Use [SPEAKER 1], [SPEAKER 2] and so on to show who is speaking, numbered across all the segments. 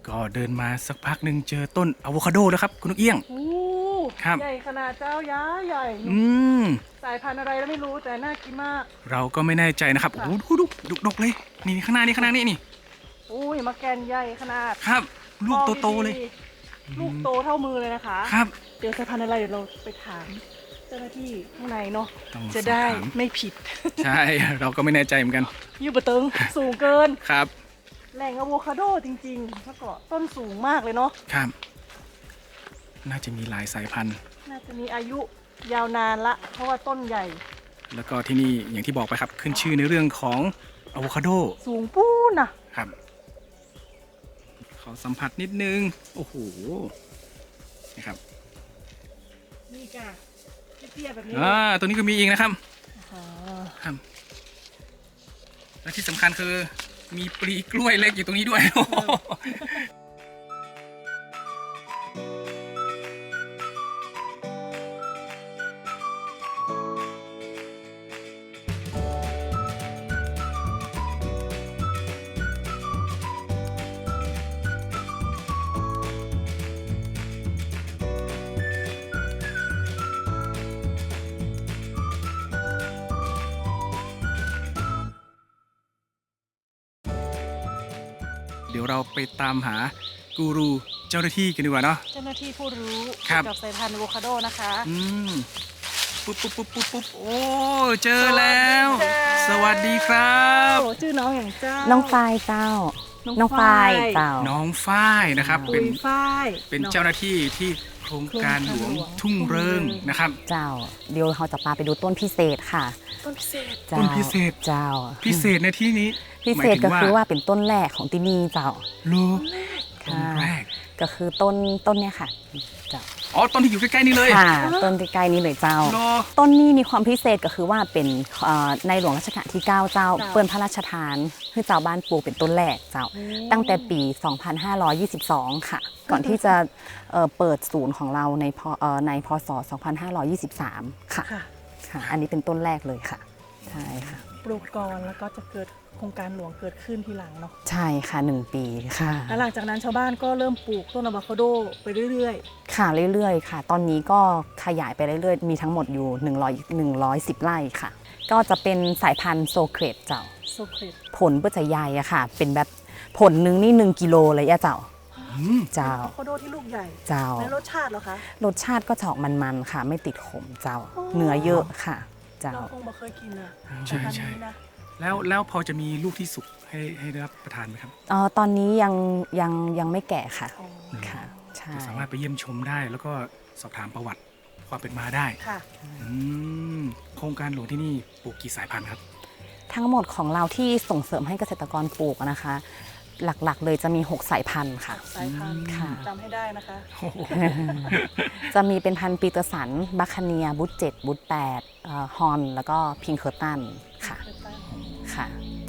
[SPEAKER 1] ก็เดินมาสักพักหนึ่งเจอต้นอะโวคาโดแล้วครับคุณนกเอี้ยง
[SPEAKER 2] โอ้
[SPEAKER 1] ครับ
[SPEAKER 2] ใหญ่ขนาดเจ้าย้าใหญ่
[SPEAKER 1] ม
[SPEAKER 2] สายพันธุ์อะไรแล้วไม่รู้แต่น่ากินมาก
[SPEAKER 1] เราก็ไม่แน่ใจนะครับโอ้
[SPEAKER 2] ค่ะ
[SPEAKER 1] โหดูดกเลยนี่ข้างหน้านี่
[SPEAKER 2] อุ้ยมะแกนใหญ่ขนาด
[SPEAKER 1] ครับ ลูกโตๆเลย
[SPEAKER 2] ลูกโตเท่ามือเลยนะคะ
[SPEAKER 1] ครับ
[SPEAKER 2] เจอสายพันธุ์อะไรเดี๋ยวเราไปถามเจ้าหน้าที่ข้างในเนาะ
[SPEAKER 1] ต้อง
[SPEAKER 2] จะได้
[SPEAKER 1] สอบถาม
[SPEAKER 2] ไม่ผิด
[SPEAKER 1] ใช่ เราก็ไม่แน่ใจเหมือนกัน
[SPEAKER 2] ยูบะเติงสูงเกิน
[SPEAKER 1] ครับ
[SPEAKER 2] แหล่งอะโวคาโดจริงๆแล้วก็ต้นสูงมากเลยเนาะ
[SPEAKER 1] ครับ น่าจะมีหลายสายพันธุ์
[SPEAKER 2] น่าจะมีอายุยาวนานละ เพราะว่าต้นใหญ่
[SPEAKER 1] แล้วก็ที่นี่อย่างที่บอกไปครับขึ้นชื่อในเรื่องของอะโวคาโด
[SPEAKER 2] สูงปู้นะครับ
[SPEAKER 1] ขอสัมผัสนิดนึงโอ้โหนะครับ
[SPEAKER 2] นี่จ้ะเตี้ยๆแบบนี้
[SPEAKER 1] ตัวนี้ก็มีอีกนะครับ
[SPEAKER 2] อ๋อ
[SPEAKER 1] ครับและที่สำคัญคือมีปลีกล้วยเล็กอยู่ตรงนี้ด้วย เดี๋ยวเราไปตามหากูรูเจ้าหน้าที่กันดีกว่าเนาะ
[SPEAKER 2] เจ้าหน้าที่ผู้รู้
[SPEAKER 1] ครับ
[SPEAKER 2] เกี่ยวกับสายพันธุ์อะโวคาโดนะคะ
[SPEAKER 1] ปุ๊บโอ้เจอแล้ว สวัสดีครับ
[SPEAKER 2] โอ้ชื่อน้องอย่างเจ้า
[SPEAKER 3] น้องฝ้ายเจ้า น้องฝ้ายเจ้า
[SPEAKER 1] น้องฝ้ายนะครับ
[SPEAKER 2] ปุยฝ้าย
[SPEAKER 1] เป็นเจ้าหน้าที่ที่โครงการหลวง
[SPEAKER 2] โครงการหลวง
[SPEAKER 1] ทุ่งเริงนะครับ
[SPEAKER 3] เจ้า เดี๋ยวเราจะพาไปดูต้นพิเศษค่ะ
[SPEAKER 2] ต้นพิเศษ
[SPEAKER 3] เจ้า
[SPEAKER 1] ต้นพิเศษ
[SPEAKER 3] เจ้า
[SPEAKER 1] พิเศษในที่นี้
[SPEAKER 3] พิเศษก็คือว่าเป็นต้นแรกของที่นี่เจ้า
[SPEAKER 1] ลูกต้น
[SPEAKER 3] ค่ะ
[SPEAKER 1] แรก
[SPEAKER 3] ก็คือต้นเนี่ยค่ะเจ้า
[SPEAKER 1] อ๋อต้นที่อยู่ใกล้ๆนี่เลย
[SPEAKER 3] ค่ะต้นใกล้ๆนี้เลยเจ้า
[SPEAKER 1] โล
[SPEAKER 3] ต้นนี้มีความพิเศษก็คือว่าเป็นในหลวงรัชกาลที่ 9 เจ้า เปิ้นพระราชทานให้เจ้าบ้านปลูกเป็นต้นแรกเจ้า ตั้งแต่ปี 2522 ค่ะ ก่อนที่จะเปิดศูนย์ของเราในพศ 2523 ค่ะ
[SPEAKER 2] ค่ะ
[SPEAKER 3] ค่ะ อันนี้เป็นต้นแรกเลยค่ะ ใช่ค่ะ
[SPEAKER 2] ปลูกก่อนแล้วก็จะเกิดโครงการหลวงเกิดขึ้นทีหลังเนาะ
[SPEAKER 3] ใช่ค่ะ 1 ปีค่ะ
[SPEAKER 2] แล้วหลังจากนั้นชาวบ้านก็เริ่มปลูกต้นอะโวคาโดไปเรื่อย
[SPEAKER 3] ค่ะเรื่อยๆค่ะ ตอนนี้ก็ขยายไปเรื่อยๆ มีทั้งหมดอยู่110 ไร่ค่ะ ก็จะเป็นสายพันธุ์โซเครตเจ้า
[SPEAKER 2] ๆโซเครต
[SPEAKER 3] ผลเพื่อจะใหญ่อะค่ะ เป็นแบบผลนึงนี่1 กิโลเลยอะเจ้า เจ้า
[SPEAKER 2] อะโวคาโดที่ลูกใหญ่
[SPEAKER 3] เจ้า
[SPEAKER 2] แล้วรสชาติเหรอคะ
[SPEAKER 3] รสชาติก็จะออกมันๆค่ะ ไม่ติดขมเจ้า
[SPEAKER 2] อ๋อ
[SPEAKER 3] เนื้อเยอะค่ะ เจ้า
[SPEAKER 2] เราคงไม่เคยกินนะ
[SPEAKER 1] ใช่
[SPEAKER 2] พันธุ์
[SPEAKER 1] ใช่
[SPEAKER 2] นี้นะ
[SPEAKER 1] แล้วพอจะมีลูกที่สุกให้ได้รับประทานไหมครับ
[SPEAKER 3] ตอนนี้ยังไม่แก่ค่ะ
[SPEAKER 2] อ๋อ
[SPEAKER 3] ค่ะ ใช่
[SPEAKER 1] สามารถไปเยี่ยมชมได้ แล้วก็สอบถามประวัติความเป็นมาได้
[SPEAKER 2] ค่ะ
[SPEAKER 1] โครงการหลวงที่นี่ปลูกกี่สายพันธุ์ครับ
[SPEAKER 3] ทั้งหมดของเราที่ส่งเสริมให้เกษตรกรปลูกนะคะ หลักๆเลยจะมี 6 สายพันธุ์ค่ะ
[SPEAKER 2] สายพันธุ์
[SPEAKER 3] ค่ะ
[SPEAKER 2] จำให้ได้นะคะ
[SPEAKER 3] จะมีเป็นพันธุ์ปีเตอร์สัน บัคคาเนีย บุต7บุต8ฮอน แล้วก็พิงเคอร์ตันค่ะ ค่ะ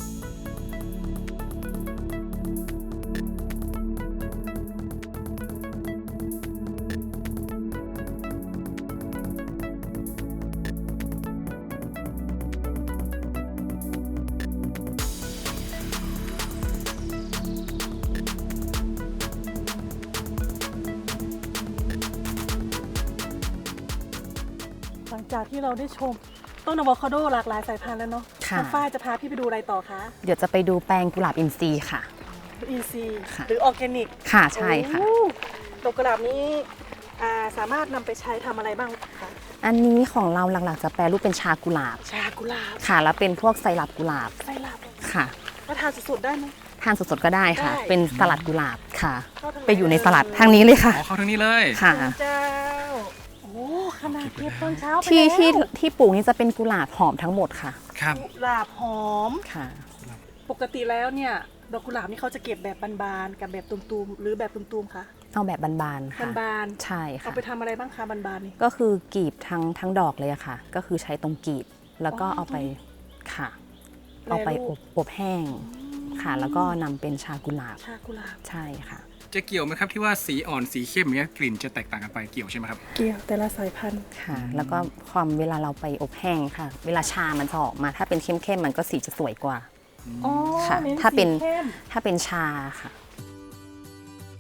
[SPEAKER 2] หลังจากที่เราได้ชมต้นอะโวคาโดหลากหลายสายพันธุ์แล้วเนาะ
[SPEAKER 3] ค่ะ
[SPEAKER 2] น้องฝ้ายจะพาพี่ไปดูอะไรต่อคะ
[SPEAKER 3] เดี๋ยวจะไปดูแปลงกุหลาบอินทรีย์ค่ะ
[SPEAKER 2] อินซี
[SPEAKER 3] ค่ะ
[SPEAKER 2] หรือออร์แกนิก
[SPEAKER 3] ค่ะ ใช่ค่ะ
[SPEAKER 2] ดอกกุหลาบนี้สามารถนำไปใช้ทำอะไรบ้างคะ
[SPEAKER 3] อันนี้ของเราหลักๆ จะแปลรูปเป็นชากุหลาบ
[SPEAKER 2] ชากุหลาบ
[SPEAKER 3] ค่ะ แล้วเป็นพวกไซรัปกุหลาบ
[SPEAKER 2] ไส้ลาบ
[SPEAKER 3] ค่ะ
[SPEAKER 2] แล้วทานสดๆได้ไหม
[SPEAKER 3] ทานสดๆก็ได้ค่ะ
[SPEAKER 2] ได้
[SPEAKER 3] เป็นสลัดกุหลาบค่ะ
[SPEAKER 2] เข้าทางไหน
[SPEAKER 3] ไปอยู่ในสลัดทางนี้เลยค่ะ
[SPEAKER 1] อ๋อ เข้าทางนี้เลย
[SPEAKER 3] ค่ะ
[SPEAKER 2] เจ้า โอ้ขนาดเก็บตอนเช้าไป
[SPEAKER 3] ที่
[SPEAKER 2] แล้ว
[SPEAKER 3] ที่ปลูกนี่จะเป็นกุหลาบหอมทั้งหมดค่ะ
[SPEAKER 1] ครับ
[SPEAKER 2] กุหลาบหอม
[SPEAKER 3] ค่ะ
[SPEAKER 2] ปกติแล้วเนี่ยดอกกุหลาบนี่เขาจะเก็บแบบบานๆกับแบบตุ่มๆหรือแบบตุ่มๆคะ
[SPEAKER 3] เอาแบบบานๆค่ะ
[SPEAKER 2] บาน
[SPEAKER 3] ใช่
[SPEAKER 2] ๆ
[SPEAKER 3] ค่ะ
[SPEAKER 2] เอาไปทำอะไรบ้างคะบานๆนี่
[SPEAKER 3] ก็คือกลีบทั้งดอกเลยอะค่ะ ก็คือใช้ตรงกลีบแล้วก็เอาไปค่ะ เอาไปอบแห้งค่ะ แล้วก็นำเป็นชากุหลาบ
[SPEAKER 2] ชากุหลาบ
[SPEAKER 3] ใช่ค่ะ
[SPEAKER 1] จะเกี่ยวไหมครับที่ว่าสีอ่อนสีเข้มอย่างเงี้ยกลิ่นจะแตกต่างกันไปเกี่ยวใช่ไหมครับ
[SPEAKER 2] เกี่ยวแต่ละสายพันธุ์
[SPEAKER 3] ค่ะ แล้วก็ความเวลาเราไปอบแห้งค่ะ เวลาชามันจะออกมา ถ้าเป็นเข้มๆมันก็สีจะสวยกว่า
[SPEAKER 2] อ๋อ
[SPEAKER 3] ค่ะ
[SPEAKER 2] น้
[SPEAKER 3] ถ้าเป็น
[SPEAKER 2] สีเข้ม
[SPEAKER 3] ถ้าเป็นชาค่ะ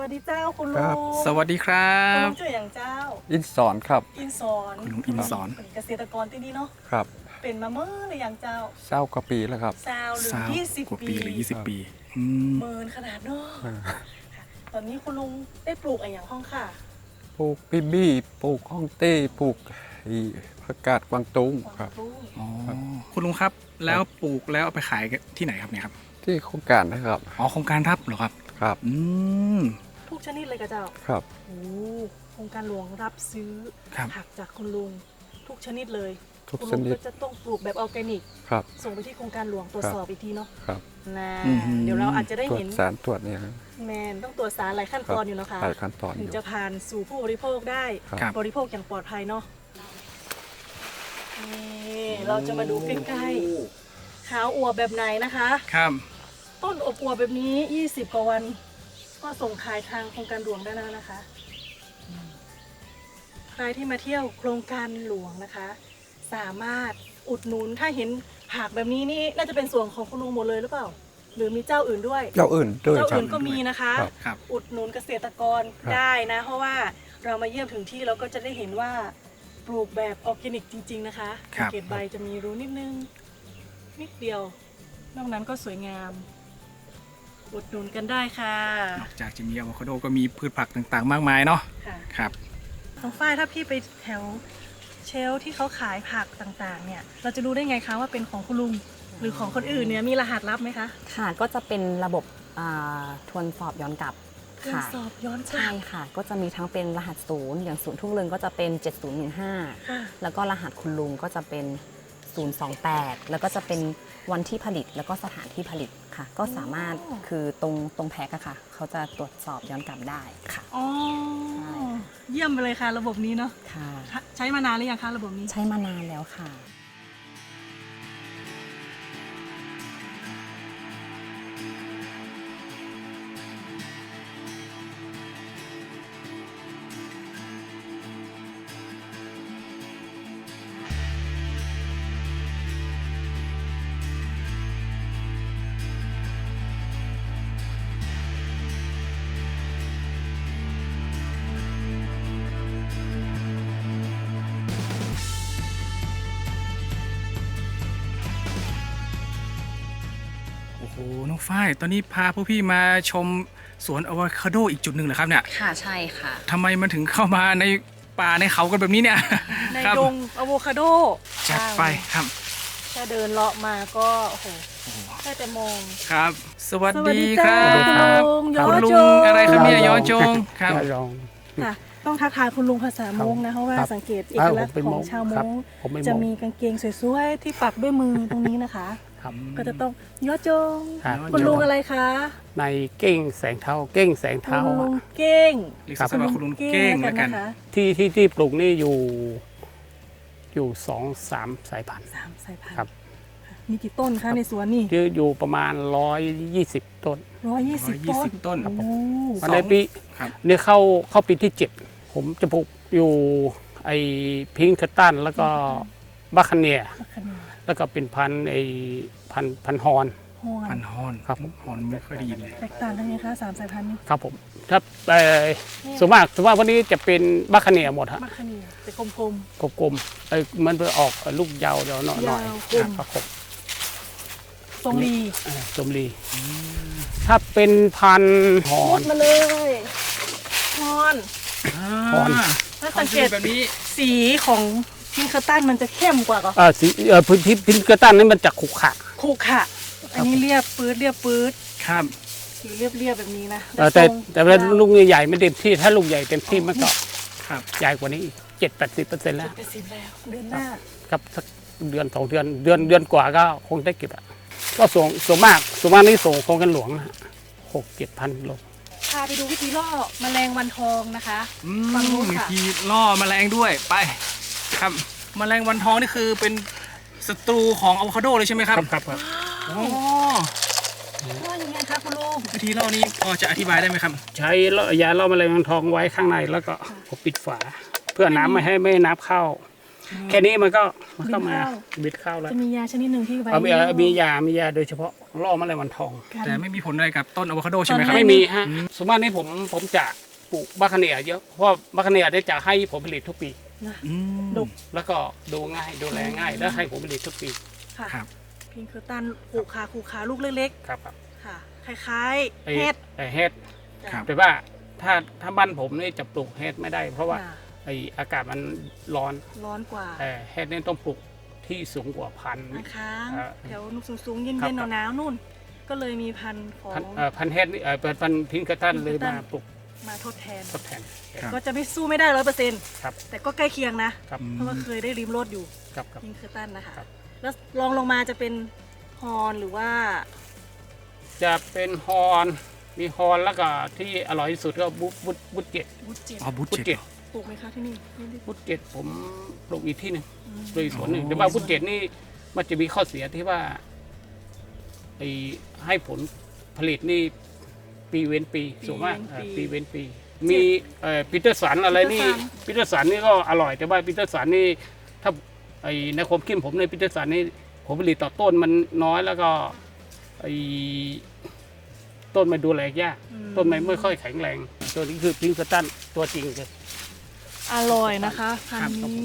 [SPEAKER 2] สดีเจ้าคุณลุ
[SPEAKER 4] ครับ
[SPEAKER 2] ง
[SPEAKER 1] สวัสดีครั
[SPEAKER 2] คุณ
[SPEAKER 1] บ
[SPEAKER 2] ลุงชื่ออย่างเจ้า
[SPEAKER 4] อินสอนครับ
[SPEAKER 2] อินสอน
[SPEAKER 1] คุณลุงอินสอน
[SPEAKER 2] เป็นเกษตรกรที่นี่เนาะ
[SPEAKER 4] ครับ
[SPEAKER 2] เป็นมาเมื่อหรือยังเจ้า
[SPEAKER 4] เศร้ากว่าปีแล้วครับ
[SPEAKER 2] ซาวหรือ
[SPEAKER 1] สาว
[SPEAKER 2] 20
[SPEAKER 1] กว่า
[SPEAKER 2] ปี
[SPEAKER 1] ปีหรือ20 ปีอืม
[SPEAKER 2] เมินขนาดเนาะค่ะตอนนี้คุณลุงได้ปลูกอะไรอย่างห้องค่ะ
[SPEAKER 4] ปลูกปิบี้ปลูกฮ่องเต้ปลูกอีผักกาดกวางตุ้งครับ
[SPEAKER 2] ปลูก
[SPEAKER 1] อ๋อคุณลุงครับแล้วปลูกแล้วเอาไปขายที่ไหนครับเนี่ยครับ
[SPEAKER 4] ที่โครงการนะครับ
[SPEAKER 1] อ๋อโครงการรับเหรอครับ
[SPEAKER 4] ครับ
[SPEAKER 1] อืม
[SPEAKER 2] ทุกชนิดเลยกับเจ้า
[SPEAKER 4] ครับ
[SPEAKER 2] โอ้โครงการหลวงรับซื้อ
[SPEAKER 1] ครับ
[SPEAKER 2] ผักจากคุณลุงทุกชนิดเลย
[SPEAKER 4] ทุก
[SPEAKER 2] คุณ
[SPEAKER 4] ช
[SPEAKER 2] ลุง
[SPEAKER 4] นิด
[SPEAKER 2] ก็จะต้องปลูกแบบออร์แกนิก
[SPEAKER 4] ครับ
[SPEAKER 2] ส่งไปที่โครงการหลวงตรวจสอบอีกทีเนาะ
[SPEAKER 4] ครับ
[SPEAKER 2] นะ
[SPEAKER 1] อืม
[SPEAKER 2] เดี๋ยวเราอาจจะได้
[SPEAKER 4] ตรวจ
[SPEAKER 2] เห็น
[SPEAKER 4] สารตรวจเนี่ยครับ
[SPEAKER 2] แมนต้องตรวจสารหลายขั้นตอนอยู่เนาะคะ
[SPEAKER 4] หลายขั้นตอนอ
[SPEAKER 2] ถึง
[SPEAKER 4] ยู่
[SPEAKER 2] จะผ่านสู่ผู้บริโภคได้
[SPEAKER 1] ครับ
[SPEAKER 2] บริโภคอย่างปลอดภัยเนาะนี่เราจะมาดูใกล้ๆขาวอวบแบบไหนนะคะ
[SPEAKER 1] ครับ
[SPEAKER 2] ต้นอบอวบแบบนี้ 20 กว่าวัน ก็ส่งขายทางโครงการหลวงได้แล้วนะคะ ใครที่มาเที่ยวโครงการหลวงนะคะ สามารถอุดหนุนถ้าเห็นผักแบบนี้นี่น่าจะเป็นส่วนของคุณลุงหมดเลยหรือเปล่า หรือมีเจ้าอื่นด้วย
[SPEAKER 4] เจ้าอื่นด้วย
[SPEAKER 2] เจ้า
[SPEAKER 4] ครับ
[SPEAKER 2] อื่นก็มีนะคะ
[SPEAKER 4] ครับ
[SPEAKER 1] ครับ
[SPEAKER 2] อุดหนุนเกษตรกร
[SPEAKER 4] ครับ
[SPEAKER 2] ได้นะ เพราะว่าเรามาเยี่ยมถึงที่เราก็จะได้เห็นว่าปลูกแบบออร์แกนิกจริง ๆนะคะ
[SPEAKER 1] ครับ
[SPEAKER 2] สังเกตใบจะมีรูนิดนึง นิดเดียว นอกนั้นก็สวยงาม อุดหนุนกันได้ค่ะ
[SPEAKER 1] นอกจากจะมีอะโวคาโดก็มีพืชผักต่างๆ มากมายเนาะ
[SPEAKER 2] ค่ะ
[SPEAKER 1] ครับ
[SPEAKER 2] น้องฝ้ายถ้าพี่ไปแถวเชลฟ์ที่เขาขายผักต่างๆ เนี่ย เราจะรู้ได้ไงคะว่าเป็นของคุณลุงหรือของคนอื่นเนี่ยมีรหัสลับไหมคะ
[SPEAKER 3] ค่ะก็จะเป็นระบบทวนสอบย้อนกลับ
[SPEAKER 2] เครื่อง
[SPEAKER 3] ค่ะ
[SPEAKER 2] สอบย้อนกลั
[SPEAKER 3] ใช่
[SPEAKER 2] บ
[SPEAKER 3] ค่ะ ก็จะมีทั้งเป็นรหัสศูนย์อย่างศูนย์ทุ่งเรืองก็จะเป็น 7015
[SPEAKER 2] ค่ะ
[SPEAKER 3] แล้วก็รหัสคุณลุงก็จะเป็น 028 แล้วก็จะเป็นวันที่ผลิตแล้วก็สถานที่ผลิตค่ะ ก็สามารถคือตรงแพ็คอะค่ะ เขาจะตรวจสอบย้อนกลับได้ค่ะ
[SPEAKER 2] อ๋อ
[SPEAKER 3] ใช่
[SPEAKER 2] เยี่ยมไปเลยค่ะ ระบบนี้เนาะ
[SPEAKER 3] ค่ะ
[SPEAKER 2] ใช้มานานหรือยังคะระบบนี้
[SPEAKER 3] ใช้มานานแล้วค่ะ
[SPEAKER 1] โอ้โหน้องฝ้ายตอนนี้พาพวกพี่มาชมสวนอะโวคาโดอีกจุดหนึ่งเหรอครับเนี่ย
[SPEAKER 3] ค่ะใช่ค่ะ
[SPEAKER 1] ทำไมมันถึงเข้ามาในป่าในเขากันแบบนี้เนี่ย
[SPEAKER 2] ใน
[SPEAKER 1] ครับ
[SPEAKER 2] ดงอะโวคาโด
[SPEAKER 1] จัดไปครับ
[SPEAKER 2] แค่เดินเลาะมาก็ โอ้โหแค่แต่มอง
[SPEAKER 1] ครับ สวัส
[SPEAKER 2] สวัส
[SPEAKER 1] ดี
[SPEAKER 2] ดี
[SPEAKER 1] ค
[SPEAKER 2] จ้า
[SPEAKER 1] รับ
[SPEAKER 2] คุณลุงย้อ
[SPEAKER 1] คุณลุ
[SPEAKER 2] โจ
[SPEAKER 1] งอะไรครับเนี่ยย้อนจงครับ
[SPEAKER 5] ยอง
[SPEAKER 2] ค่ะ ต้องทักทายคุณลุงภาษามงนะ เพราะว่า
[SPEAKER 5] ครับ
[SPEAKER 2] สังเกตเอกลักษณ์
[SPEAKER 5] ผมเป็น
[SPEAKER 2] ของชาวม
[SPEAKER 5] ครับ
[SPEAKER 2] ง
[SPEAKER 5] ผมเป็น
[SPEAKER 2] จะ
[SPEAKER 5] มง
[SPEAKER 2] มีกางเกงสวยๆที่ปักด้วยมือตรงนี้นะคะ
[SPEAKER 5] ครับ
[SPEAKER 2] ก็จะต้องย้อโจง
[SPEAKER 5] ครับ
[SPEAKER 2] คุณลุงอะไรคะ
[SPEAKER 5] ในเก้งแสงเท้าเก้งแสง
[SPEAKER 2] คุ
[SPEAKER 5] เท้า
[SPEAKER 2] ณลุง
[SPEAKER 5] อะ
[SPEAKER 2] เก้ง
[SPEAKER 1] เรียกสั้นๆว่าคุณลุงเก้งแล้วกัน
[SPEAKER 2] นะคะ
[SPEAKER 5] ที่ปลูกนี่อยู่2-3 สายพันธุ์
[SPEAKER 2] สามสายพัน
[SPEAKER 5] ครับ
[SPEAKER 2] ธุ์มีกี่ต้นคะในสวนนี่
[SPEAKER 5] อยู่ประมาณ120 ต้น
[SPEAKER 2] 120 ต้น
[SPEAKER 1] ต้น
[SPEAKER 2] โอ้โห
[SPEAKER 1] สอง
[SPEAKER 5] ในปี
[SPEAKER 1] ครับ
[SPEAKER 5] เนี่ยเข้าปีที่ 7 ผมจะปลูกอยู่ไอ้พิงค์คัตตันแล้วก็บัคคาเนีย
[SPEAKER 2] มะขาม
[SPEAKER 5] แล้วก็เป็นพันธุ์ไอ้พันธุ์ฮอน
[SPEAKER 2] ฮอน
[SPEAKER 1] พันฮอน
[SPEAKER 5] ครับ
[SPEAKER 1] ฮอนไม่ค่อยได้ยินเลย
[SPEAKER 2] แตกต่างกันไงคะสามสายพันธุ์นี้
[SPEAKER 5] ครับผมถ้าส่วนมากวันนี้จะเป็นบัคคาเนียหมดฮะ
[SPEAKER 2] มะขามแต่กลม
[SPEAKER 5] กลมๆมันไปออกลูกยาวเดี๋ยวหน่อย
[SPEAKER 2] ยาวกลม
[SPEAKER 5] ครับผม
[SPEAKER 2] ๆทรงดี
[SPEAKER 5] สมรีถ้าเป็นพันธุ์หอ
[SPEAKER 2] มุ
[SPEAKER 5] น
[SPEAKER 2] ดมาเลยฮอน
[SPEAKER 5] ฮอน
[SPEAKER 2] ถ้าสังเกต
[SPEAKER 1] แบบนี้
[SPEAKER 2] สีของพิงค์คัตตันมันจะเข้มกว่าก็
[SPEAKER 5] สีพินกระตันนี่มันจะขรุขระ
[SPEAKER 2] คู่ค่ะ อันนี้เรียบปื๊ดเรียบปื๊ด
[SPEAKER 1] ครับ
[SPEAKER 2] สีเรียบแบบนี้นะ
[SPEAKER 5] แต่
[SPEAKER 2] ทรง
[SPEAKER 5] แต่เวลาลูกใหญ่ๆไม่เต็มที่ถ้าลูกใหญ่เต็มที่มันก็
[SPEAKER 1] ครับ
[SPEAKER 5] ใหญ่กว่านี้อีก70-80%แล้ว
[SPEAKER 2] เป็นสีแล้วเดือนหน้า
[SPEAKER 5] ครับสักเดือน2 เดือนเดือนกว่าก็คงได้เก็บอ่ะก็ส่วนมากนี่ส่งโครงกันหลวงนะ6-7 พันโล
[SPEAKER 2] พาไปดูวิธีล่อแมลงวันทองนะคะ
[SPEAKER 1] อื
[SPEAKER 2] ฝั่งนู้
[SPEAKER 1] ม
[SPEAKER 2] น
[SPEAKER 1] มี
[SPEAKER 2] ค่ะ
[SPEAKER 1] ทีล่อแมลงด้วยไป ครับแมลงวันทองนี่คือเป็นศัตรูของอะโวคาโดเลยใช่ไหมครับ
[SPEAKER 5] ครับ
[SPEAKER 1] อ๋อ
[SPEAKER 2] ล่อยังไงคะคุณลุง
[SPEAKER 1] วิธีล่อนี้พอจะอธิบายได้ไหมครับ
[SPEAKER 5] ใช้ยาล่อแมลงวันทองไว้ข้างในแล้วก็ปิดฝา เพื่อน้ำไม่ให้น้ำเข้าแค่นี้มันก็มา
[SPEAKER 2] บิดเข้า
[SPEAKER 5] บิดเข้าแล้ว
[SPEAKER 2] จะมียาชนิดหนึ่งที่ไว้
[SPEAKER 5] มียาโดยเฉพาะล่อแมลงวันทอง
[SPEAKER 2] กัน
[SPEAKER 1] แต่ไม่มีผลอะไรกับต้นอะโวคาโดใช่ไหมครับ
[SPEAKER 2] ไม่
[SPEAKER 5] ไม่มีฮะสมมตินี้ผมจะปลูกบัคคาเนียเยอะเพราะบัคคาเนียได้จะให้ผลผลิตทุกปี
[SPEAKER 2] นะ
[SPEAKER 1] อืม
[SPEAKER 2] ดุ
[SPEAKER 5] แล้วก็ดูง่ายดูแลง่ายและให้ผลผลิตทุกปี
[SPEAKER 2] ค่ะ
[SPEAKER 1] ครับ
[SPEAKER 2] พิงเคิลตันขู่ขาลูกเล็ก
[SPEAKER 5] ครับ
[SPEAKER 2] ๆค่ะ คล้าย
[SPEAKER 5] ไอ้
[SPEAKER 2] ๆเห็ด
[SPEAKER 5] ไอ้เฮ็ด
[SPEAKER 1] ครับ
[SPEAKER 5] แต่ว่าถ้าบ้านผมนี่จะปลูกเฮ็ดไม่ได้ เพราะว่า
[SPEAKER 2] น่ะ
[SPEAKER 5] ไอ้อากาศมันร้อน
[SPEAKER 2] ร้อนกว่า
[SPEAKER 5] เฮ็ดนี่ต้องปลูกที่สูงกว่าพัน
[SPEAKER 2] นะคะ
[SPEAKER 5] อ่า
[SPEAKER 2] แถวนุกสูงๆเย็
[SPEAKER 5] ครับ
[SPEAKER 2] นๆหนาวๆนู่น ก็เลยมีพันธุ์ของ
[SPEAKER 5] พันเฮ็ดนี่พันพิงกระตันเลยมาปลูก
[SPEAKER 2] มาทดแทน
[SPEAKER 5] ทดแทน
[SPEAKER 1] ครับ
[SPEAKER 2] ก็จะไม่สู้ไม่ได้100%
[SPEAKER 5] ครับ
[SPEAKER 2] แต่ก็ใกล้เคียงนะ
[SPEAKER 5] ครับ
[SPEAKER 2] เพราะว่าเคยได้ริมรถอยู่
[SPEAKER 5] ครับ
[SPEAKER 2] พิงเคิลตันนะคะ
[SPEAKER 5] ครับ
[SPEAKER 2] แล้วลองลงมาจะเป็นฮอนหรือว่า
[SPEAKER 5] จะเป็นฮอนมีฮอนแล้วก็ที่อร่อยที่สุดก็บุตเจ็ด
[SPEAKER 2] บุตเจ็ด
[SPEAKER 1] อ๋อบู
[SPEAKER 5] บุต
[SPEAKER 1] เจ็
[SPEAKER 5] เจ็
[SPEAKER 1] ด
[SPEAKER 5] ด
[SPEAKER 2] ปลูกไหมคะที่นี่ไม่ได้
[SPEAKER 5] บุตเจ็ดผมปลูกอีกที่หนึ่ง
[SPEAKER 2] อืม
[SPEAKER 5] ปลูกอีกสวนหนึ่ง
[SPEAKER 1] โอ้
[SPEAKER 5] แต่ว่าบุตเจ็ดนี่มันจะมีข้อเสียที่ว่าไอ้ให้ผลผลิตนี่ปีเว้นปีสูงมากปีเว้นปี มีปีเตอร์สันอะไรนี่ปีเตอร์สันนี่ก็อร่อยแต่ว่าปีเตอร์สันนี่ถ้าไอ้ในความคิดผมในปีเตอร์สันนี่ผลผลิตต่อต้นมันน้อยแล้วก็ไอ้ต้นมันดูแลยาก ต้นไม้ไม่ค่อยแข็งแรง ตัวนี้คือพิงค์สตันตัวจริงเลย
[SPEAKER 2] อร่อยนะคะพันธุ์นี้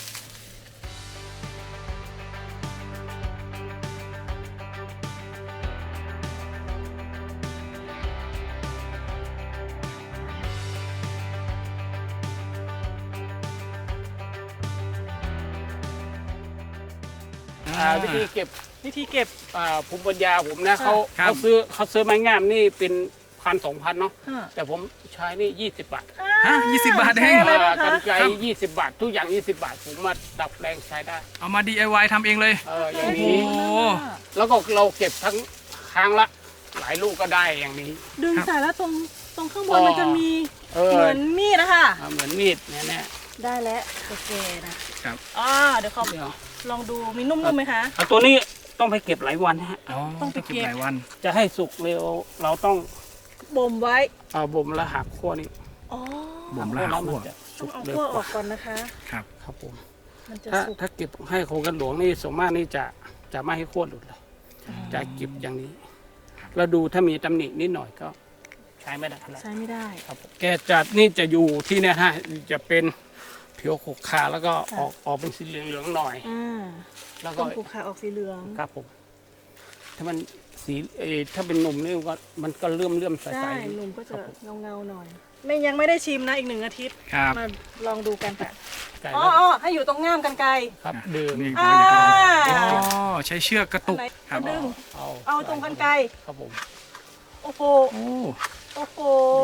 [SPEAKER 5] วิธีเก็บ
[SPEAKER 2] วิธีเก็บ
[SPEAKER 5] ภูมิปัญญาผมนะ
[SPEAKER 2] ค่ะ
[SPEAKER 5] เขาซื้อไม้งามนี่เป็น1,000-2,000เนาะ
[SPEAKER 2] ฮะ
[SPEAKER 5] แต่ผมใช้นี่20 บาท
[SPEAKER 1] ฮะ20 บาทเอง
[SPEAKER 2] ใช่เลยนะคะ
[SPEAKER 5] กันไกร
[SPEAKER 1] ครับ
[SPEAKER 5] 20 บาท ทุกอย่าง 20 บาท ผมมาดับแรงใช้ได้
[SPEAKER 1] เอามา DIY ทำเองเลย
[SPEAKER 5] อย่าง
[SPEAKER 1] โอ้
[SPEAKER 5] นี้
[SPEAKER 1] โห
[SPEAKER 5] แล้วก็เราเก็บทั้งครั้งละหลายลูกก็ได้อย่างนี้
[SPEAKER 2] ดึง
[SPEAKER 1] ครับ
[SPEAKER 2] สายแล้วตรงข้างบนมันจะมี
[SPEAKER 5] เออ
[SPEAKER 2] เหมือนมีดนะคะ
[SPEAKER 5] เหมือนมีดเนี่ยนะ
[SPEAKER 2] ได้แล้วโอเคนะครับ เดี๋ยวขอ
[SPEAKER 5] เดี๋ยว
[SPEAKER 2] ลองดูมีนุ่มๆไหมคะ
[SPEAKER 5] เอาตัวนี้ต้องไปเก็บหลายวันฮะ
[SPEAKER 1] อ๋อ
[SPEAKER 2] ต้องไป
[SPEAKER 1] ต้อง
[SPEAKER 2] เก็
[SPEAKER 1] เก็บบ หลายวัน
[SPEAKER 5] จะให้สุกเร็วเราต้อง
[SPEAKER 2] บ่มไว้
[SPEAKER 5] เอาบ่มแล้วหักขั้วนี้
[SPEAKER 2] อ๋อ
[SPEAKER 1] บ่มแล้วหาคั่ว
[SPEAKER 5] มันจะ
[SPEAKER 2] ต้
[SPEAKER 5] สุ
[SPEAKER 2] อง
[SPEAKER 5] ก
[SPEAKER 2] เอา
[SPEAKER 5] เร็ว
[SPEAKER 2] ขั้ว
[SPEAKER 5] ก
[SPEAKER 2] ออ
[SPEAKER 5] ว่าก
[SPEAKER 2] ก่อนนะคะ
[SPEAKER 1] ครับ
[SPEAKER 5] ครับผม
[SPEAKER 2] มันจะ
[SPEAKER 5] ถ้า
[SPEAKER 2] สุก
[SPEAKER 5] ถ้าเก็บให้โครงกันหลวงนี่ส่วนมากนี่จะไม่ให้ขั้วหลุดเลยจะเก็บอย่างนี้เราดูถ้ามีตำหนินิดหน่อยก็ใช้ไม่ได้แล้ว
[SPEAKER 2] ใช้ไม่ได้
[SPEAKER 5] ครับผมแกจัดนี่จะอยู่ที่เนี่ยฮะจะเป็นผิวขกขาแล้วก็ออกเป็นสีเหลืองๆหน่อย
[SPEAKER 2] อ่า
[SPEAKER 5] แล้วก็
[SPEAKER 2] ต้นผูกขาออกสีเหลือง
[SPEAKER 5] ครับผมถ้ามันสีถ้าเป็นหนุ่มนี่มันก็เลื่อมใส
[SPEAKER 2] ใช่
[SPEAKER 5] ๆ
[SPEAKER 2] หนุ่มก็จะเงาๆหน่อย ยังไม่ได้ชิมนะอีก1 อาทิตย์
[SPEAKER 1] ครับ
[SPEAKER 2] มาลองดูกันค่ะ
[SPEAKER 5] ไก่
[SPEAKER 2] อ๋
[SPEAKER 5] แล้ว
[SPEAKER 2] อให้อยู่ตรงง่ามกันไกล
[SPEAKER 5] ครับดื่ม
[SPEAKER 1] นี่
[SPEAKER 2] อ่า
[SPEAKER 1] อ๋อใช้เชือกกระตุกครับ
[SPEAKER 2] ดึง
[SPEAKER 5] เอา
[SPEAKER 2] เอาตรงกันไกล
[SPEAKER 5] ครับผม
[SPEAKER 2] โอ้โห
[SPEAKER 1] โอ้
[SPEAKER 2] โอ้โห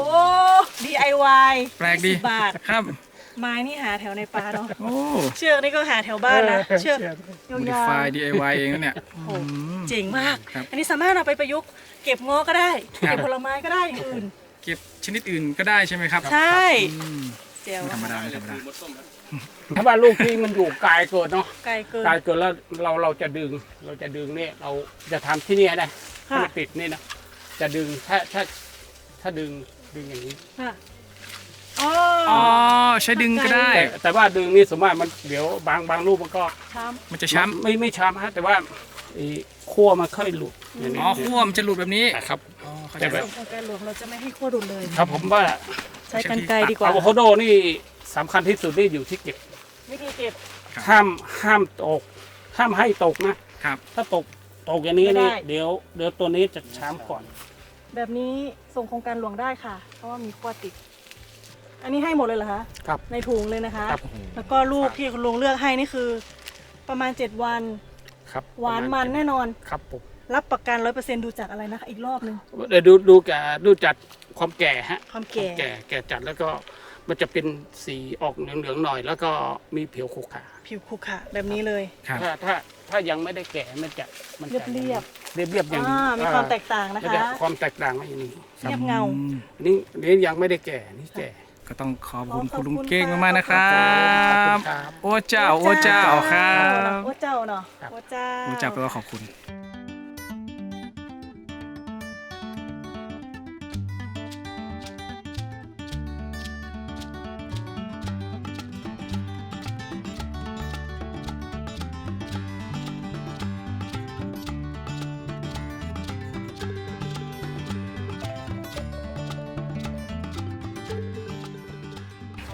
[SPEAKER 2] DIY
[SPEAKER 1] แปลกดี
[SPEAKER 2] 20 บาท
[SPEAKER 1] ครับ
[SPEAKER 2] ไม้นี่หาแถวในป่าเนาะ
[SPEAKER 1] โอ้
[SPEAKER 2] เชือกนี่ก็หาแถวบ้านนะ เชือกยาว
[SPEAKER 1] modify DIY เองนะเนี่ย
[SPEAKER 2] ๆโอ้โหเจ๋งมาก
[SPEAKER 1] ครับ
[SPEAKER 2] อันนี้สามารถเอาไปประยุกต์เก็บง้อก็ได้
[SPEAKER 1] ครับ
[SPEAKER 2] เก็บผลไม้ก็ได้อย่างอื่น
[SPEAKER 1] เก็บชนิดอื่นก็ได้ใช่ไหมครับ
[SPEAKER 2] ใช่
[SPEAKER 1] อืม
[SPEAKER 2] เจ๋ว
[SPEAKER 1] ไม่ธรรมดาไม่ธรรมดา
[SPEAKER 5] ถ้าว่าลูกที่มันอยู่ไกลเกิดเนาะ
[SPEAKER 2] ไกลเกิน
[SPEAKER 5] ไกลเกิดแล้วเราจะดึงเนี่ยเราจะทำที่นี่ได้ให้
[SPEAKER 2] ค่ะ
[SPEAKER 5] มันติดนี่นะจะดึงถ้าดึงอย่างนี้
[SPEAKER 2] ค่ะอ๋อ
[SPEAKER 1] อ๋อใช้ดึงก็ได้
[SPEAKER 5] แต่ว่าดึงนี่สมมติมันเดี๋ยวบางลูกมันก็
[SPEAKER 2] ช้
[SPEAKER 1] มันจะช้
[SPEAKER 5] ไม่ช้ำฮะแต่ว่าไอ้ขั้วมันค่อยหลุดอย่าง
[SPEAKER 1] ำ
[SPEAKER 5] นี้
[SPEAKER 1] อ๋อขั้วมันจะหลุดแบบนี้
[SPEAKER 5] ครับ
[SPEAKER 1] อ๋อเข้าใจ
[SPEAKER 5] แต่แบ
[SPEAKER 1] แล้
[SPEAKER 5] บ
[SPEAKER 1] ว
[SPEAKER 2] ำของการหลวงเราจะไม่ให้ขั้วดุลเลย
[SPEAKER 5] ครับผมว่า
[SPEAKER 2] ใช้กันไกลดีกว่า
[SPEAKER 5] อะโวคาโดนี่สำคัญที่สุดนี่อยู่ที่เก็บ
[SPEAKER 2] วิธีเก็บ
[SPEAKER 5] ห้ามตกห้ามให้ตกนะ
[SPEAKER 1] ครับ
[SPEAKER 5] ถ้าตกอย่างนี้
[SPEAKER 2] ไม่ได้
[SPEAKER 5] นี่เดี๋ยวตัวนี้จะช้ำก่อน
[SPEAKER 2] แบบนี้ส่งโครงการหลวงได้ค่ะ เพราะว่ามีขั้วติด อันนี้ให้หมดเลยเหรอคะ
[SPEAKER 5] ครับ
[SPEAKER 2] ในถุงเลยนะคะ
[SPEAKER 5] ครับ
[SPEAKER 2] แล้วก็ลูกที่คุณลุงเลือกให้นี่คือ ประมาณ 7 วัน
[SPEAKER 5] ครับ
[SPEAKER 2] หวานมันแน่นอน
[SPEAKER 5] ครับผม
[SPEAKER 2] รับประกัน 100%ดูจากอะไรนะคะอีกรอบหนึง
[SPEAKER 5] เดี๋ยวดูจัดความแก่ฮะ
[SPEAKER 2] ความแก่
[SPEAKER 5] แก่จัดแล้วก็มันจะเป็นสีออกเหลืองๆหน่อย แล้วก็มีผิวขรุขระ
[SPEAKER 2] ผิวขรุขระแบบนี้เลย
[SPEAKER 1] ครับ
[SPEAKER 5] ถ้ายังไม่ได้แก่มันจะ
[SPEAKER 2] เรียบ
[SPEAKER 5] เรียบอย่างนี้
[SPEAKER 2] มีความแตกต่างนะ
[SPEAKER 5] มัน
[SPEAKER 2] คะ
[SPEAKER 5] จะความแตกต่างมาอย่างนี้ครับ
[SPEAKER 2] เรียบเงา
[SPEAKER 1] อืม
[SPEAKER 5] นี่ยังไม่ได้แก่นี่แก่
[SPEAKER 1] ก็ต้องขอบคุณ
[SPEAKER 2] ขอบคุณ
[SPEAKER 1] คุณลุงเก้ง
[SPEAKER 2] ค่ะ
[SPEAKER 1] มากๆนะครั
[SPEAKER 5] ขอบคุ
[SPEAKER 1] บ
[SPEAKER 5] ณครับ
[SPEAKER 1] โอ้เจ้าโอ้เจ้าครับ
[SPEAKER 2] โอ้เจ้าเนาะ
[SPEAKER 5] ครับ
[SPEAKER 2] โอ้เจ้า
[SPEAKER 1] โอ้เจ้าแปลว่าขอบคุณ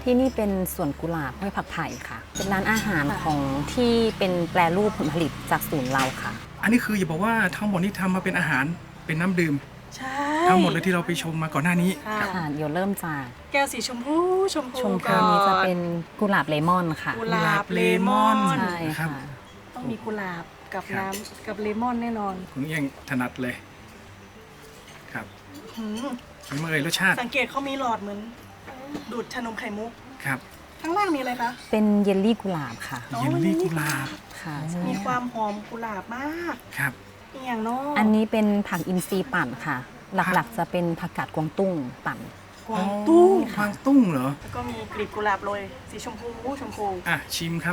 [SPEAKER 3] ที่นี่เป็นสวนกุหลาบห้วยผักไผ่ค่ะ เป็นร้านอาหารของที่เป็นแปรรูปผลผลิตจากศูนย์เราค่ะ
[SPEAKER 1] อันนี้คืออย่าบอกว่าทั้งหมดนี้ทำมาเป็นอาหารเป็นน้ำดื่ม
[SPEAKER 2] ใช่
[SPEAKER 1] ทั้งหมดเลยที่เราไปชมมาก่อนหน้านี้
[SPEAKER 2] ค่ะ
[SPEAKER 3] ค่ะเดี๋ยวเริ่มจาก
[SPEAKER 2] แก้วสีชมพูชมพู
[SPEAKER 3] ชมพู
[SPEAKER 2] ก่อ
[SPEAKER 3] นี้จะเป็นกุหลาบเลมอนค่ะ
[SPEAKER 2] กุหลาบเลมอน
[SPEAKER 3] ใช่
[SPEAKER 1] ครับ
[SPEAKER 3] ค่ะ
[SPEAKER 2] ต้องมีกุหลาบกับ
[SPEAKER 1] ครับ
[SPEAKER 2] น้ำกับเลมอนแน่นอน
[SPEAKER 1] คุณเอียงถนัดเลยครับ
[SPEAKER 2] หืม
[SPEAKER 1] เป็นไงรสชาติ
[SPEAKER 2] สังเกตเขามีหลอดเหมือนดูดชานมไข่มุก
[SPEAKER 1] ครับ
[SPEAKER 2] ข้างล่างมีอะไรคะ
[SPEAKER 3] เป็นเยลลี่กุหลาบค่ะ
[SPEAKER 2] อ๋อ
[SPEAKER 1] เยลลี่กุหลาบ
[SPEAKER 3] ค่ะใช่
[SPEAKER 2] มีควา
[SPEAKER 3] ค่ะ
[SPEAKER 2] มหอมกุหลาบมาก
[SPEAKER 1] ครับ
[SPEAKER 2] อีกอย่างเนาะ
[SPEAKER 3] อันนี้เป็นผักอินทรีย์ปั่นค่ะ หลักๆจะเป็นผักกาดกวางตุ้งปั่น
[SPEAKER 2] กวางตุ้ง
[SPEAKER 1] กวางตุ้งเหรอ
[SPEAKER 2] แล้วก็มีกลีบกุหลาบโรยสีชมพูชมพู
[SPEAKER 1] อ่ะชิมครับ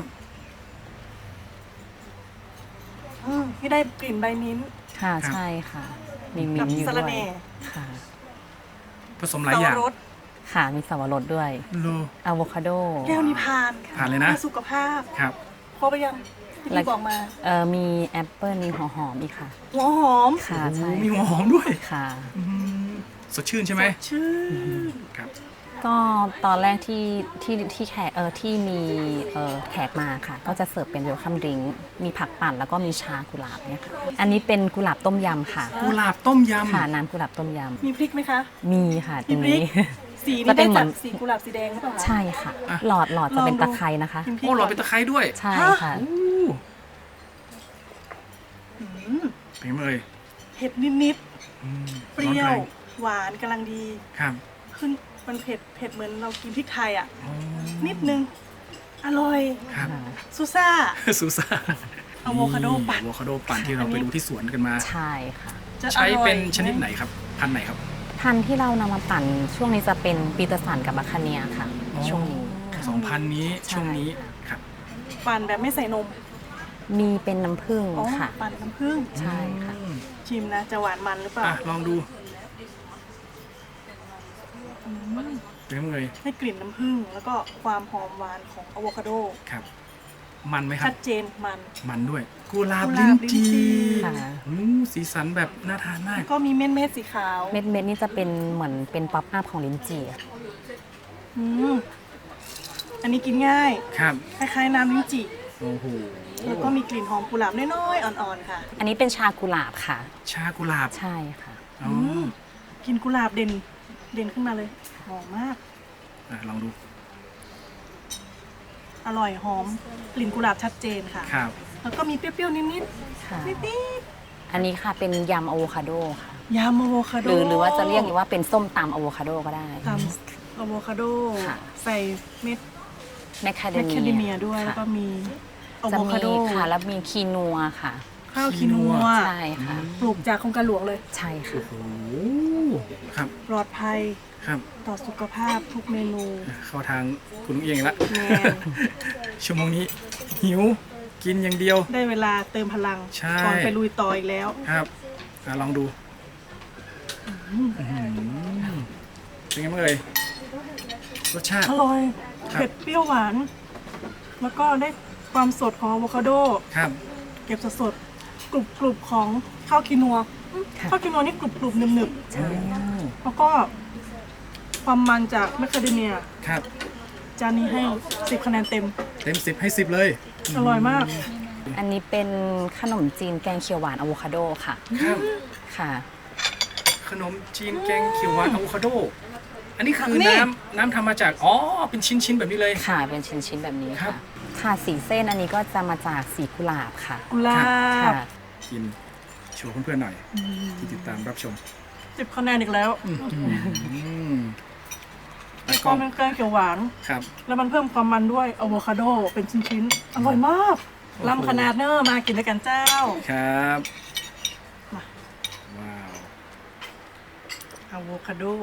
[SPEAKER 2] ที่ได้กลิ่นใบมิ้นท์
[SPEAKER 3] ค่ะ
[SPEAKER 1] ครับ
[SPEAKER 3] ใช่ค่ะ มีมิ้
[SPEAKER 2] กับ
[SPEAKER 3] นท์อยู่
[SPEAKER 2] สะ
[SPEAKER 3] ด้
[SPEAKER 2] ระ
[SPEAKER 3] วย
[SPEAKER 2] แหน่
[SPEAKER 3] ค่ะ
[SPEAKER 1] ผสมหลายอย่าง
[SPEAKER 2] สับปะรด
[SPEAKER 3] ค่ะ มีสับปะรดด้วย
[SPEAKER 1] โล
[SPEAKER 3] อะโวคาโด
[SPEAKER 2] แก้วนิพพาน
[SPEAKER 1] ผ่านเลยนะ
[SPEAKER 2] พื่อสุขภาพ
[SPEAKER 1] ครับ
[SPEAKER 2] ครบไปยังที่พี่บอกมา
[SPEAKER 3] มีแอปเปิลมีหัวหอมอีกค่ะ
[SPEAKER 2] หัวหอม
[SPEAKER 3] ค่ะ
[SPEAKER 1] โอ้
[SPEAKER 3] ใช่
[SPEAKER 1] มีหัวหอมด้วย
[SPEAKER 3] ค่ะ
[SPEAKER 1] อืมสดชื่นใช่ไหม
[SPEAKER 2] สดชื่น
[SPEAKER 1] ครับ
[SPEAKER 3] ก็ตอนแรกที่แขกที่มีแขกมาค่ะ ก็จะเสิร์ฟเป็นเวลคัมดริงก์มีผักปั่นแล้วก็มีชากุหลาบเนี่ยค่ะ อันนี้เป็นกุหลาบต้มยำค่ะ
[SPEAKER 1] กุหลาบต้มย
[SPEAKER 3] ค่ะน้ำกุหลาบต้มย
[SPEAKER 2] มีพริกไหมคะ
[SPEAKER 3] ำมีค่ะตรง
[SPEAKER 2] มีพริ
[SPEAKER 3] นี้
[SPEAKER 2] ก สี
[SPEAKER 3] จะ
[SPEAKER 2] นี่
[SPEAKER 3] เป็
[SPEAKER 2] ได้
[SPEAKER 3] นเหมื
[SPEAKER 2] จา
[SPEAKER 3] อน
[SPEAKER 2] กสีกุหลาบสีแดงหรือเปล่าคะ
[SPEAKER 3] ใช่ค่ะ หลอดจะเป็นตะไคร้นะคะ
[SPEAKER 2] กิน
[SPEAKER 1] ำ
[SPEAKER 2] พริก
[SPEAKER 1] โอ้หลอด
[SPEAKER 2] ก่
[SPEAKER 1] เป็นตะไคร้ด้วย
[SPEAKER 3] ใช่ค่ะ
[SPEAKER 1] โอ้
[SPEAKER 2] อืม
[SPEAKER 1] เป็นไงเอ่ย
[SPEAKER 2] เผ็ดนิด
[SPEAKER 1] อืม
[SPEAKER 2] ๆเปรี้ยว
[SPEAKER 1] ร้อนแรง
[SPEAKER 2] หวานกำลังดี
[SPEAKER 1] ครับ
[SPEAKER 2] ขึ้นมันเผ็ดเหมือนเรากินพริกไทยอ่ะ
[SPEAKER 1] อ๋อ
[SPEAKER 2] นิดนึง อร่อย
[SPEAKER 1] ครับ
[SPEAKER 2] ซูซ่า
[SPEAKER 1] ซูซ่า
[SPEAKER 2] อะโวคาโดปั่น
[SPEAKER 1] อะโวคาโดปั่นที่เราไปดูที่สวนกันมา
[SPEAKER 3] ใช่ค่ะ
[SPEAKER 2] จะอ
[SPEAKER 1] ใช้
[SPEAKER 2] ร่อย
[SPEAKER 1] เป็นชนิดไหนครับ พันธุ์ไหนครับ
[SPEAKER 3] พันธุ์ที่เรานำมาปั่นช่วงนี้จะเป็นปีเตอร์สันกับบัคคาเนียค่ะ ช่วงนี้ค่ะ
[SPEAKER 1] สองพันธุ์นี้
[SPEAKER 3] ใช่
[SPEAKER 1] ช่วงนี้ครับ
[SPEAKER 2] ปั่นแบบไม่ใส่นม
[SPEAKER 3] มีเป็นน้ำผึ้ง
[SPEAKER 2] อ๋อ
[SPEAKER 3] ค่ะ
[SPEAKER 2] ปั่นน้ำผึ้ง
[SPEAKER 3] ใช่ค่ะ
[SPEAKER 1] อืม
[SPEAKER 2] ชิมนะ จะหวานมันหรือเปล่า
[SPEAKER 1] อ่ะลองดูเป็นไงเอ่ย
[SPEAKER 2] ให้กลิ่นน้ำผึ้งแล้วก็ความหอมหวานของอะโวคาโด
[SPEAKER 1] ครับ มันไหมครั
[SPEAKER 2] ชั
[SPEAKER 1] บ
[SPEAKER 2] ดเจนมัน
[SPEAKER 1] มันด้วยกุหลาบ
[SPEAKER 2] กุห
[SPEAKER 1] ลิ้
[SPEAKER 2] ลาน บลิ้นจี
[SPEAKER 1] จี
[SPEAKER 3] ค่ะ
[SPEAKER 1] สีสันแบบน่าทานมาก
[SPEAKER 2] ก็มีเม็ดสีขาว
[SPEAKER 3] เม็ดนี่จะเป็นเหมือนเป็นป๊อปอัพของลิ้นจี่อะ
[SPEAKER 2] อืมอันนี้กินง่าย
[SPEAKER 1] ครับ
[SPEAKER 2] คล้ายๆน้ำลิ้นจี่
[SPEAKER 1] โอ้โห
[SPEAKER 2] แล้วก็มีกลิ่นหอมกุหลาบน้อยๆอ่อนๆค่ะ
[SPEAKER 3] อันนี้เป็นชากุหลาบค่ะ
[SPEAKER 1] ชากุหลาบ
[SPEAKER 3] ใช่ค่ะ
[SPEAKER 1] อ๋อ
[SPEAKER 2] กลิ่นกุหลาบเด่นขึ้นมาเลย หอมมาก
[SPEAKER 1] อ่ะลองดู
[SPEAKER 2] อร่อยหอมกลิ่นกุหลาบชัดเจนค่ะ
[SPEAKER 1] ครับ
[SPEAKER 2] แล้วก็มีเปรี้ยวๆนิด
[SPEAKER 3] ค่ะ
[SPEAKER 2] ๆนิด
[SPEAKER 3] อันนี้ค่ะเป็นยำอะโวคาโดค่ะ
[SPEAKER 2] ๆยำอะโวคาโด
[SPEAKER 3] หรือว่าจะเรียกว่าเป็นส้มตำอะโวคาโดก็ได้
[SPEAKER 2] ทำอะโวคาโด
[SPEAKER 3] ค่ะ
[SPEAKER 2] ใส่เม็ด
[SPEAKER 3] แมคคาเด
[SPEAKER 2] แมคคาเดเมี
[SPEAKER 3] เมี
[SPEAKER 2] ย
[SPEAKER 3] ย
[SPEAKER 2] ด้วย แล้วก็
[SPEAKER 3] ค่ะ
[SPEAKER 2] มีอะ
[SPEAKER 3] จะ
[SPEAKER 2] โวคา
[SPEAKER 3] มี
[SPEAKER 2] โด
[SPEAKER 3] ค่ะ แล้วมีคีนัวค่ะ
[SPEAKER 2] ข้าวคินัว
[SPEAKER 3] ใช่ค่ะ
[SPEAKER 2] ปลูกจากโครงการหลวงเลย
[SPEAKER 3] ใช่ค่ะ
[SPEAKER 1] โอ้ครับ
[SPEAKER 2] ปลอดภัย
[SPEAKER 1] ครับ
[SPEAKER 2] ต่อสุขภาพทุกเมนู
[SPEAKER 1] เข้าทางคุณลุงเอียงละ
[SPEAKER 2] แมน
[SPEAKER 1] ชั่วโมงนี้หิวกินอย่างเดียว
[SPEAKER 2] ได้เวลาเติมพลัง
[SPEAKER 1] ใช่
[SPEAKER 2] ก่อนไปลุยต่ออีกแล้ว
[SPEAKER 1] ครับอ่ะลองดูเป็นไงบ้างเอ่ยรสชาติ
[SPEAKER 2] อร่อย
[SPEAKER 1] ครับ
[SPEAKER 2] เผ็ดเปรี้ยวหวาน แล้วก็ได้ความสดของอะโวคาโด
[SPEAKER 1] ครับ
[SPEAKER 2] เก็บสดๆกรุบๆของข้าวคินัว
[SPEAKER 3] ค่ะ
[SPEAKER 2] ข้าวคินัวนี่กรุบๆหนึบ
[SPEAKER 3] ใช่
[SPEAKER 2] ๆแล้วก็ความมันจากแมคคาเดเมีย
[SPEAKER 1] ครับ
[SPEAKER 2] จานนี้ให้ 10 คะแนนเต็ม
[SPEAKER 1] เต็ม10ให้10เลย
[SPEAKER 2] อร่อยมาก
[SPEAKER 3] อันนี้เป็นขนมจีนแกงเขียวหวานอะโวคาโดค่ะ
[SPEAKER 1] ครับ
[SPEAKER 3] ค่ะ
[SPEAKER 1] ขนมจีนแกงเขียวหวานอะโวคาโด อันนี้คือ
[SPEAKER 2] นี่
[SPEAKER 1] น้ำทำมาจากอ๋อเป็นชิ้นๆแบบนี้เลย
[SPEAKER 3] ค่ะ เป็นชิ้นๆแบบนี้
[SPEAKER 1] ครั
[SPEAKER 3] ค่ะ
[SPEAKER 1] บ
[SPEAKER 3] ค่ะสีเส้นอันนี้ก็จะมาจากสีกุหลาบค่ะ
[SPEAKER 2] กุหลา
[SPEAKER 3] ค่ะ
[SPEAKER 2] บ
[SPEAKER 1] กินโชว์เพื่อนๆหน่อยที่ติดตามรับชม
[SPEAKER 2] 10 คะแนนอีกแล้ว
[SPEAKER 1] แล้ว
[SPEAKER 2] ค
[SPEAKER 1] ก็
[SPEAKER 2] วามเป็นแกงเขียวหวาน
[SPEAKER 1] ครับ
[SPEAKER 2] แล้วมันเพิ่มความมันด้วยอะโวคาโดเป็นชิ้นๆ อร่อยมากลำขนาดเนอร์มากินด้วยกันเจ้า
[SPEAKER 1] ครับ
[SPEAKER 2] มา
[SPEAKER 1] ว้าว
[SPEAKER 2] อะโวคาโด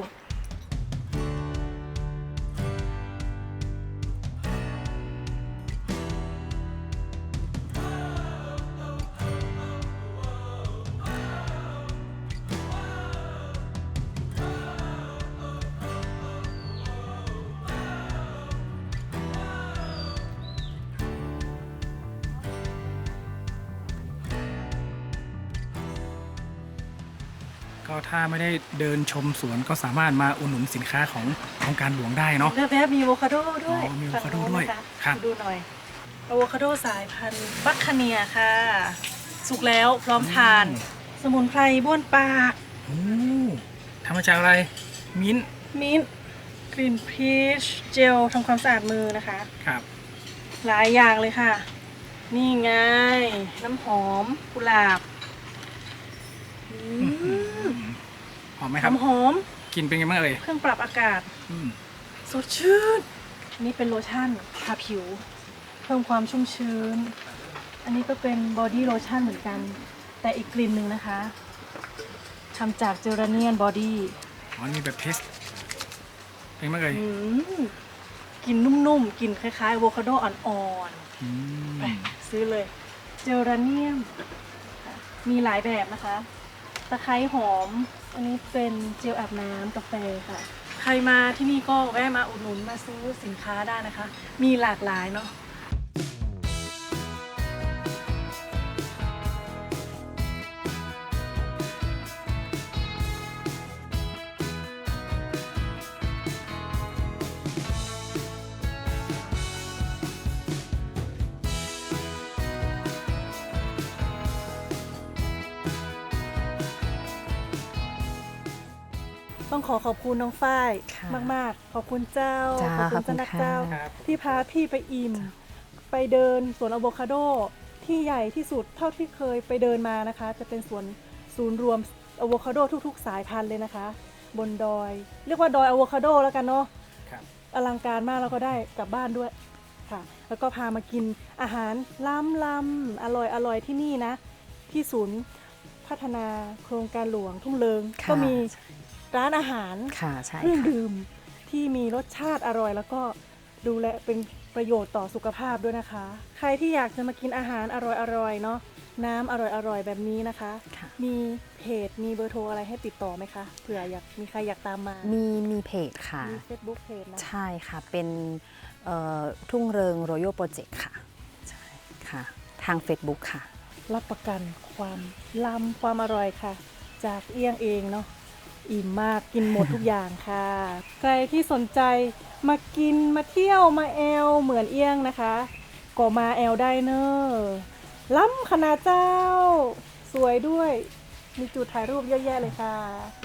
[SPEAKER 1] ก็ถ้าไม่ได้เดินชมสวนก็สามารถมาอุดหนุนสินค้าของโครงการหลวงได้เนาะ
[SPEAKER 2] แล้วแบบมีอะโวคาโดด้วย
[SPEAKER 1] อ๋อมีอะโวคาโดด้วย
[SPEAKER 2] ฝั่งโน้นนะะ
[SPEAKER 1] ครับ
[SPEAKER 2] ดูหน่อยอะโวคาโดสายพันธุ์บัคคาเนียค่ะ สุกแล้วพร้อมทาน สมุนไพรบ้วนปาก
[SPEAKER 1] โอ้ทำมาจากอะไรมิ้นท์
[SPEAKER 2] มิ้นท์กลิ่นพีชเจลทำความสะอาดมือนะคะ
[SPEAKER 1] ครับ
[SPEAKER 2] หลายอย่างเลยค่ะ นี่ไง น้ำหอมกุหลาบอืม
[SPEAKER 1] หอมไหมครับ
[SPEAKER 2] น้ำหอม
[SPEAKER 1] กลินเป็นไงบ้างเอ่ย
[SPEAKER 2] เครื่องปรับอากาศ
[SPEAKER 1] อืม
[SPEAKER 2] สดชื่น อันนี้เป็นโลชั่นทาผิว เพิ่มความชุ่มชื้น อันนี้ก็เป็นบอดี้โลชั่นเหมือนกัน แต่อีกกลิ่นหนึ่งนะคะทำจากเจอราเนียนบอดี้
[SPEAKER 1] อ๋อนี่แบบเทสเป็นไงบ้างเอ่ย
[SPEAKER 2] กลิ่นนุ่มๆกลิ่นคล้ายๆอะโวคาโดอ่อน
[SPEAKER 1] อืม
[SPEAKER 2] ๆไปซื้อเลย เจอราเนียมค่ะมีหลายแบบนะคะ ตะไคร้หอม อันนี้เป็นเจลอาบน้ำกาแฟค่ะ ใครมาที่นี่ก็แวะมาอุดหนุนมาซื้อสินค้าได้นะคะ มีหลากหลายเนาะ ต้องขอบคุณน้องฝ้าย
[SPEAKER 3] ค่ะ
[SPEAKER 2] มากๆ ขอบคุณเจ้า
[SPEAKER 3] จ้า
[SPEAKER 2] ขอบคุณ
[SPEAKER 3] ขอบคุณ
[SPEAKER 2] เจ้านักเจ้า
[SPEAKER 3] ค่ะ
[SPEAKER 2] ที่พาพี่ไปอิ่ม ไปเดินสวนอะโวคาโดที่ใหญ่ที่สุดเท่าที่เคยไปเดินมานะคะ จะเป็นสวนศูนย์รวมอะโวคาโดทุกๆ สายพันธุ์เลยนะคะ บนดอย เรียกว่าดอยอะโวคาโดแล้วกันเนาะ
[SPEAKER 1] ครับ
[SPEAKER 2] อลังการมากแล้วก็ได้กลับบ้านด้วยค่ะ แล้วก็พามากินอาหารล้ำๆอร่อยที่นี่นะ ที่ศูนย์พัฒนาโครงการหลวงทุ่งเลิง
[SPEAKER 3] ค่ะ
[SPEAKER 2] ก็มีร้านอาหาร
[SPEAKER 3] ค่ะใช่
[SPEAKER 2] เครื่อง
[SPEAKER 3] ค่ะ
[SPEAKER 2] ดื่มที่มีรสชาติอร่อยแล้วก็ดูแลเป็นประโยชน์ต่อสุขภาพด้วยนะคะ ใครที่อยากจะมากินอาหารอร่อยๆเนาะน้ำอร่อยๆแบบนี้นะคะ
[SPEAKER 3] ค่ะ
[SPEAKER 2] มีเพจมีเบอร์โทรอะไรให้ติดต่อไหมคะเผื่อมีใครอยากตามมา
[SPEAKER 3] มีเพจค่ะ
[SPEAKER 2] มี Facebook เพจนะ
[SPEAKER 3] ใช่ค่ะ เป็นทุ่งเริง Royal Project ค่ะ ใช่ค่ะ ทาง Facebook ค่ะ
[SPEAKER 2] รับประกันความล้ำความอร่อยค่ะ จากเอี้ยงเองเนาะอิ่มมากกินหมดทุกอย่างค่ะ ใครที่สนใจมากินมาเที่ยวมาแอลเหมือนเอี้ยงนะคะก็มาแอลได้เนอะล้ำขนาดเจ้า สวยด้วย มีจุดถ่ายรูปเยอะแยะเลยค่ะ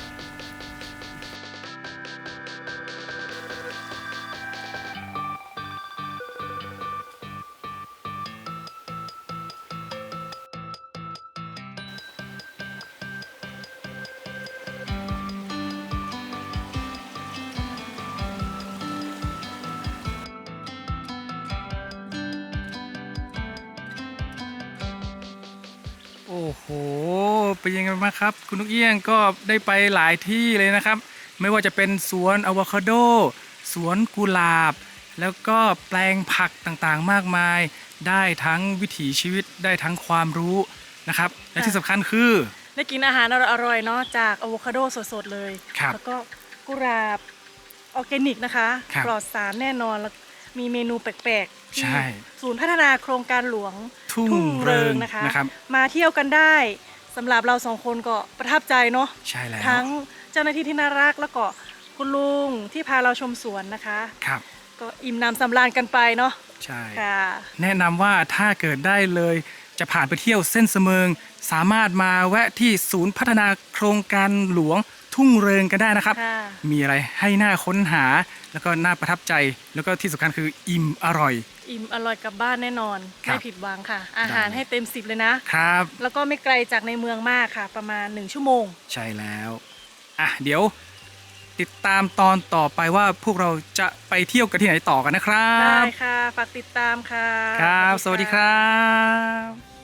[SPEAKER 1] โอ้โหเป็นยังไงบ้างครับ คุณนุกเอี้ยงก็ได้ไปหลายที่เลยนะครับ ไม่ว่าจะเป็นสวนอะโวคาโด สวนกุหลาบ แล้วก็แปลงผักต่างๆมากมาย ได้ทั้งวิถีชีวิตได้ทั้งความรู้นะครับ และที่สำคัญคือ
[SPEAKER 2] ได้กินอาหารอร่อยๆเนาะจากอะโวคาโดสดๆเลย
[SPEAKER 1] ครับ
[SPEAKER 2] แล้วก็กุหลาบออร์แกนิกนะคะ
[SPEAKER 1] ครับ
[SPEAKER 2] ปลอดสารแน่นอนแล้วมีเมนูแปลกๆที่
[SPEAKER 1] ใช่
[SPEAKER 2] ศูนย์พัฒนาโครงการหลวง
[SPEAKER 1] ทุ่งเริง
[SPEAKER 2] นะคะ
[SPEAKER 1] นะครับ
[SPEAKER 2] มาเที่ยวกันได้สำหรับเราสองคนก็ประทับใจเนาะ
[SPEAKER 1] ใช่แล้ว
[SPEAKER 2] ทั้งเจ้าหน้าที่ที่น่ารักแล้วก็คุณลุงที่พาเราชมสวนนะคะ
[SPEAKER 1] ครับ
[SPEAKER 2] ก็อิ่มน้ำสำราญกันไปเนาะ
[SPEAKER 1] ใช่
[SPEAKER 2] ค่ะ
[SPEAKER 1] แนะนำว่าถ้าเกิดได้เลยจะผ่านไปเที่ยวเส้นเสมิง สามารถมาแวะที่ศูนย์พัฒนาโครงการหลวงทุ่งเริงกันได้นะครับ
[SPEAKER 2] ค่ะ
[SPEAKER 1] มีอะไรให้น่าค้นหา แล้วก็น่าประทับใจ แล้วก็ที่สำคัญคืออิ่มอร่อย
[SPEAKER 2] อิ่มอร่อยกลับบ้านแน่นอน
[SPEAKER 1] ครับ
[SPEAKER 2] ไม่ผิดหวังค่ะ อาหาร
[SPEAKER 1] ได้
[SPEAKER 2] ให้เต็ม10เลยนะ
[SPEAKER 1] ครับ
[SPEAKER 2] แล้วก็ไม่ไกลจากในเมืองมากค่ะ ประมาณ1ชั่วโมง
[SPEAKER 1] ใช่แล้วอ่ะเดี๋ยวติดตามตอนต่อไปว่าพวกเราจะไปเที่ยวกันที่ไหนต่อกันนะครั
[SPEAKER 2] ได้
[SPEAKER 1] บ
[SPEAKER 2] ค่ะ ฝากติดตามค่ะ
[SPEAKER 1] ครับ สวัสดีครับ